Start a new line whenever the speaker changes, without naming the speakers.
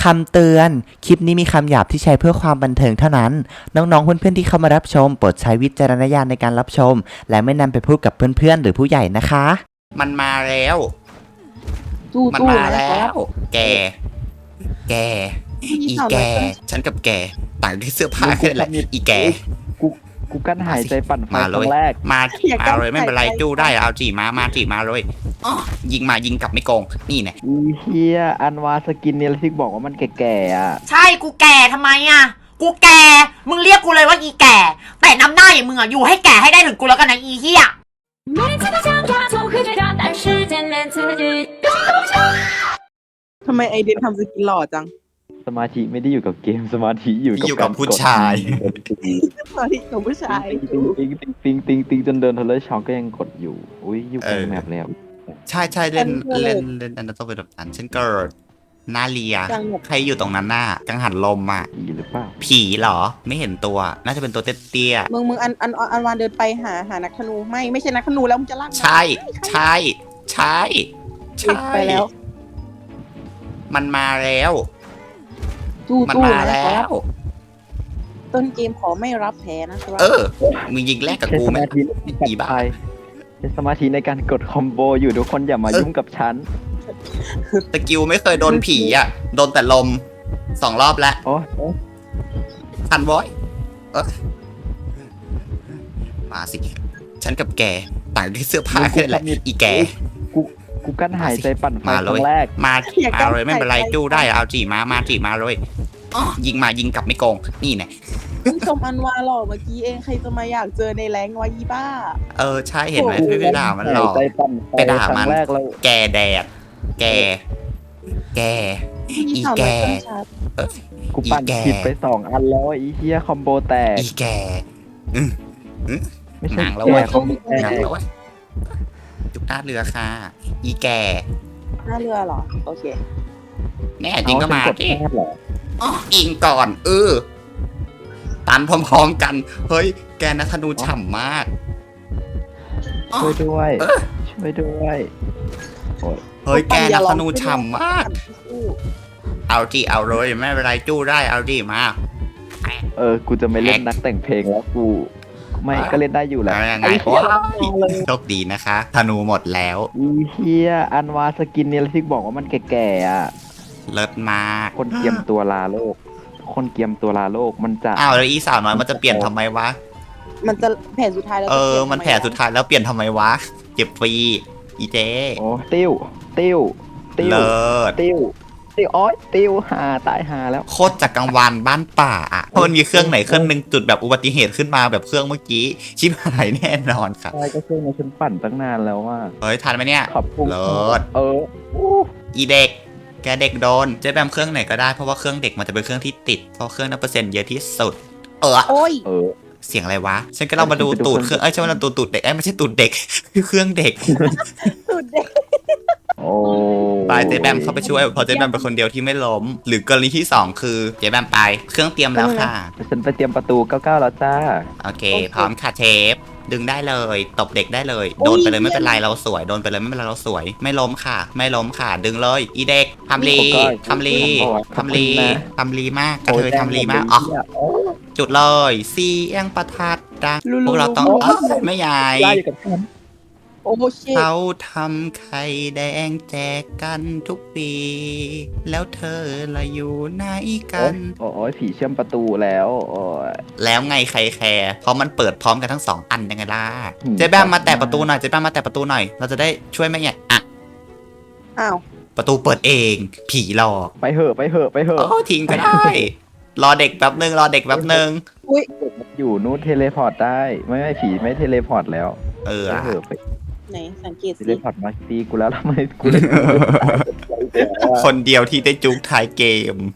คำเตือน คลิปนี้มีคำหยาบที่ใช้เพื่อความบันเทิงเท่านั้น น้องๆเพื่อนๆที่เข้ามารับชมโปรดใช้วิจารณญาณในการรับชม และไม่นำไปพูดกับเพื่อนๆหรือผู้ใหญ่นะคะ
มันมาแล้ว
ตู้
มัน
ตู้
มา
นะ
แล้
ครับ
ว แก อีแก ฉันกับแก ต่างที่เสื้อผ้าแค่นั้นแหละ อีแก
กูกั้นหายใจปั่นไฟ
มา
ค
เล
รั้
ย
งแรก
มาเลยไม่เป็นไรจู้ได้เอาจีมาจีมาเลยอ้อยิงมายิงกลับไม่โกง นี่แน่
อีเฮียอันวาสกินเนี่ยที่บอกว่ามันแก่ๆอ่ะ
ใช่กูแก่ทำไมอ่ะกูแก่ มึงเรียกกูเลยว่าอีแก่ แต่น้ำหน้าอย่างมึงอ่ะอยู่ให้แก่ให้ได้ถึงกูแล้วกันนะอีเหี้ย
每次都想抓住科学家，但是见面词句都不长。
ทำไมไอเดนทำสกินหล่อจัง
สมาธิไม่ได้อยู่กับเกมสมาธิอยู่
อยู่กับผู้ชาย
สวัสดีของผู้ชาย
ติงจนเดินทะเลช็อกก็ยังกดอยู่อุ้ยอยู่กลางแมปแล้ว
ใช่เล่นอันนั้นต้องเป็นแบบนั้นฉันเกิดหน้าเลีย ใครอยู่ตรงนั้นน่ะกังหันลมอ่ะ
ผีหรือเปล่า
ผีเหรอ ไม่เห็นตัว น่าจะเป็นตัวเตี้ย
มึงอันวานเดินไปหานักธนูไม่ใช่นักธนูแล้วมึงจะลาก
ๆใช่
ไปแล้ว
มันมาแล้ว
ตู้
มัน
ตู้
มา
นะ
แล้
ครับ
ว
ต้นเกมขอไม่รับแพ้นะครับ
มึงยิงแรกกับ
ใช้
กู
ส
ไหม
มาธิในการ
อีบ้า
ไปใช้สมาธิในการกดคอมโบอยู่ทุกคนอย่ามายุ่งกับฉัน
ตะกิวไม่เคยโดนผีอ่ะ โดนแต่ลม2 รอบแล้ว
โอ้
ทันบอยมาสิ ฉันกับแก ต่างที่เสื้อผ้าแค่นั้นแหละ อีแก
กูกั้นหายใจปั่นไฟ
มา
ค
เล
รั้
ย
งแรก
มาเลยไม่เป็นไรจู้ได้เอาจีมาจีมาเลยอ้อยิงมายิงกลับไม่โกง นี่แน่
มึงชมอันวาหล่อเมื่อกี้เองใครจะมาอยากเจอในแรงวะอีบ้า
ใช่เห็นไหมไม่ไปด่ามันหรอก
หายใจปั่นไฟ
ไปด่า
ค
มั
รั้
น
งแรกแล้ว
แกแดด แก อีแก
กูปั่น
อีแก่
ผิดไป2 อันแล้วอีเฮียคอมโบแตก
อีแก
ไม่
ห
ใช่
นังแล้วเว้ย
คอมโบแต
หนัง
ก
แล้วเว้ยจุกหน้าเรือค่ะ อีแก
หน้าเรือเหรอ โอเค
แน่จริงก็มา
เอฉัน
ดิ
กดพลาดเหรอ
อ้ออิงก่อนตันพร้อมๆกัน เฮ้ย แกนะธนูฉ่ำมาก
ช่วยด้วย ช่วยด้วย
เฮ้ย แกนะธนูฉ่ำมาก เอาจีเอาเลยไม่เป็นไรจู้ได้เอาจีมา
กูจะไม่เล่นนักแต่งเพลงแล้วกู ไม่ก็เล่นได้อยู่แหละ
เอายังไงว้าวโชคดีนะคะ ธนูหมดแล้ว
อีเฮียอันวาสกินเนี่ยที่บอกว่ามันแก่ๆอ่ะ
เลิศมาก
คนเกียมตัวลาโลก คนเกียมตัวลาโลกมันจะ
อ้าวแล้วอีสาวน้อยมันจะเปลี่ยนทำไมวะ
มันจะแผนสุดท้ายแล้วจะปลี่ย
มันแผลสุดท้ายแล้วเปลี่ยนทำไมวะ เจ็บฟรี อีเจ
โอ้ติ้วติ้ว
เลิศ
ติ้วอ้อยติ้วหาตายหาแล้ว
โคตรจากกังวานบ้านป่าอ่ะเพราะมันมีเครื่องไหนเครื่องหนึ่งจุดแบบอุบัติเหตุขึ้นมาแบบเครื่องเมื่อกี้ ชิบหายแน่นอนครับ
ใช่ก็เครื่องนี้ฉันปั่นตั้งนานแล้วว่า
เฮ้ยทันไหมเนี่ย
ขอบคุณ
เลิศ
อู้
อีเด็ก แกเด็กโดนเจ๊แบมเครื่องไหนก็ได้เพราะว่าเครื่องเด็กมันจะเป็นเครื่องที่ติดเพราะเครื่องนั้นเปอร์เซ็นต์เยอะที่สุด
โอ้ย
เสียงอะไรวะ ฉันก็ลองมาดูตูดเครื่องใช่ไหมเราตูดเด็กไม่ใช่ตูดเด็ก คือเครื่องเด็ก
สุดเด็ก
โอ้
ไปเจ๊แบมเข้าไปช่วยเพราะเจ๊แบมเป็นคนเดียวที่ไม่ล้ม หรือกรณีที่ 2 คือเจ๊แบมไปเครื่องเตรียมแล้วค่ะ
ฉันไปเตรียมประตู99แล้วจ้า
โอเค พร้อมค่ะเชฟ ดึงได้เลย ตบเด็กได้เลย โดนไปเลยไม่เป็นไรเราสวย โดนไปเลยไม่เป็นไรเราสวย ไม่ล้มค่ะ ไม่ล้มค่ะ ดึงเลย อีเด็กทำลีทำลีทำลีทำลีมากกระเทยทำลีมากอ๋อจุดเลยเสียงประทัดดังพวกเราต้องไม่ใหญ่
ไล่กับฉัน
โอ้ชิ
เขาทำไข่แดงแจกกันทุกปี แล้วเธอละอยู่ไหนกัน
โอ้ยผีเชื่อมประตูแล้วโอ้ย
แล้วไงใครแคร์เพราะมันเปิดพร้อมกันทั้ง2 อันยังไงล่ะ
อืม
เจ๊แบมมาแตะประตูหน่อยเจ๊แบมมาแตะประตูหน่อยเราจะได้ช่วยไหมเนี่ยอ่ะ
อ้าว
ประตูเปิดเอง ผีหลอก
ไปเหอะไปเหอะไปเหอะ
โอ้ทิ้งก็ได้ รอเด็กแป๊บนึงรอเด็กแป๊บนึง
อยู่นู้นเทเลพอร์ตได้ไม่ผีไม่เทเลพอร์ตแล้ว
เออ
ไปเหอะไป
ไหนสังเกต
เท
สิ
เลพอร์ตมาตีกูแล้วทำไมกูเลย
คนเดียวที่ได้จุกท้ายเกม